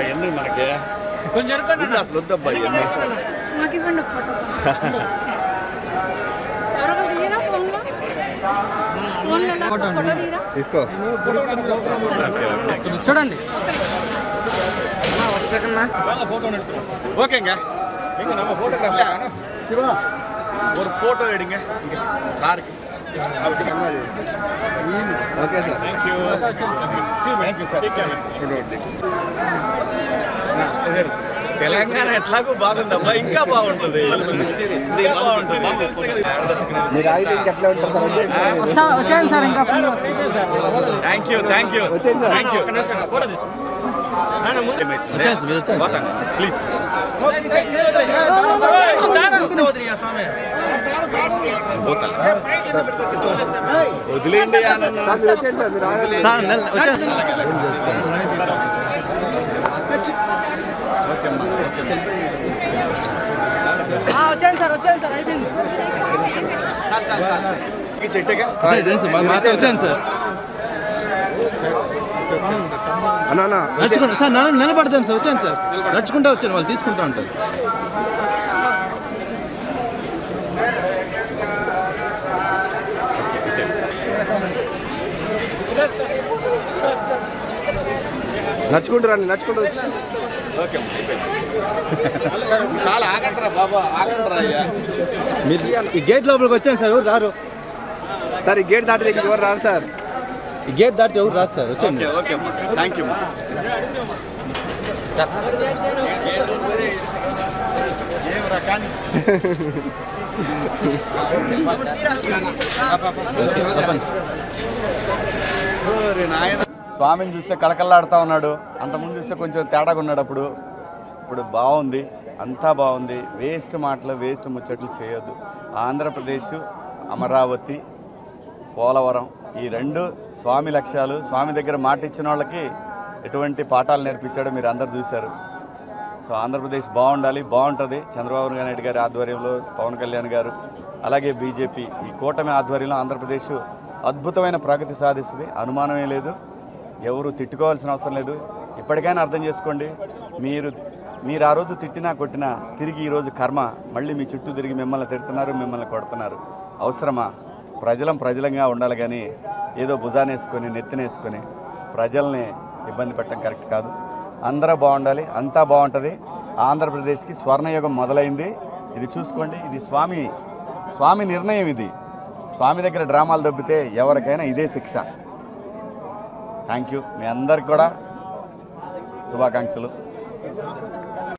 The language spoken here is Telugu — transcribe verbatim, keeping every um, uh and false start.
ఎన్ని మనకి కొంచెం అసలు వద్దబ్బా ఇవన్నీ తీసుకో చూడండి ஓகேங்க நம்ம ஃபோட்டோகிராஃபர் சிவா ஒரு ஃபோட்டோ எடுங்க இங்க சாருக்கு okay sir thank you thank you sir Telangana ఎట్లాగో బాగుందబ్బా ఇంకా బాగుంటుంది ఇంకా బాగుంటుంది మీరు ఆగితే ఇంకెట్లా ఉంటారు సార్ వచ్చాను సార్ ఇంకా thank you thank you thank you పోతాను ప్లీజ్ వదిలేండి వచ్చాను సార్ వచ్చాను సార్ అయిపోయింది చెట్టుగా వచ్చాను సార్ అన్నా నడుచుకుంటా సార్ నన్ను నిలబడతాను సార్ వచ్చాను సార్ నడుచుకుంటా వచ్చాను వాళ్ళు తీసుకుంటా ఉంటారు నడుచుకుంటూ రండి నడుచుకుంటూ ఓకే చాలా ఆగంటారా బాబా ఆగంటారా అయ్యా మీరు ఈ గేట్ లోపలికి వచ్చాను సార్ ఎవరు రారు సార్ ఈ గేట్ దాటి దగ్గర ఎవరు రారు సార్ ఈ గేట్ దాటి ఎవరు రాదు సార్ వచ్చాను ఓకే థ్యాంక్ యూ ఏం రకాన్ని స్వామిని చూస్తే కళకళలాడుతూ ఉన్నాడు, అంతకుముందు చూస్తే కొంచెం తేడాగా ఉన్నాడు. అప్పుడు ఇప్పుడు బాగుంది, అంతా బాగుంది. వేస్ట్ మాటలు వేస్ట్ ముచ్చట్లు చేయొద్దు. ఆంధ్రప్రదేశ్, అమరావతి, పోలవరం ఈ రెండు స్వామి లక్ష్యాలు. స్వామి దగ్గర మాట ఇచ్చిన వాళ్ళకి ఎటువంటి పాఠాలు నేర్పించాడో మీరు అందరు చూశారు. సో ఆంధ్రప్రదేశ్ బాగుండాలి, బాగుంటుంది. చంద్రబాబు నాయుడు గారి ఆధ్వర్యంలో, పవన్ కళ్యాణ్ గారు, అలాగే బీజేపీ ఈ కూటమి ఆధ్వర్యంలో ఆంధ్రప్రదేశ్ అద్భుతమైన ప్రగతి సాధిస్తుంది, అనుమానమే లేదు. ఎవరు తిట్టుకోవాల్సిన అవసరం లేదు. ఇప్పటికైనా అర్థం చేసుకోండి, మీరు మీరు ఆ రోజు తిట్టినా కొట్టినా తిరిగి ఈరోజు కర్మ మళ్ళీ మీ చుట్టూ తిరిగి మిమ్మల్ని తిడుతున్నారు, మిమ్మల్ని కొడుతున్నారు. అవసరమా? ప్రజలం ప్రజలంగా ఉండాలి కానీ ఏదో భుజానేసుకొని నెత్తినేసుకొని ప్రజల్ని ఇబ్బంది పెట్టడం కరెక్ట్ కాదు. అందరూ బాగుండాలి, అంతా బాగుంటుంది. ఆంధ్రప్రదేశ్కి స్వర్ణయుగం మొదలైంది. ఇది చూసుకోండి, ఇది స్వామి స్వామి నిర్ణయం. ఇది స్వామి దగ్గర డ్రామాలు దొబ్బితే ఎవరికైనా ఇదే శిక్ష. Thank you. మీ అందరికి కూడా శుభాకాంక్షలు.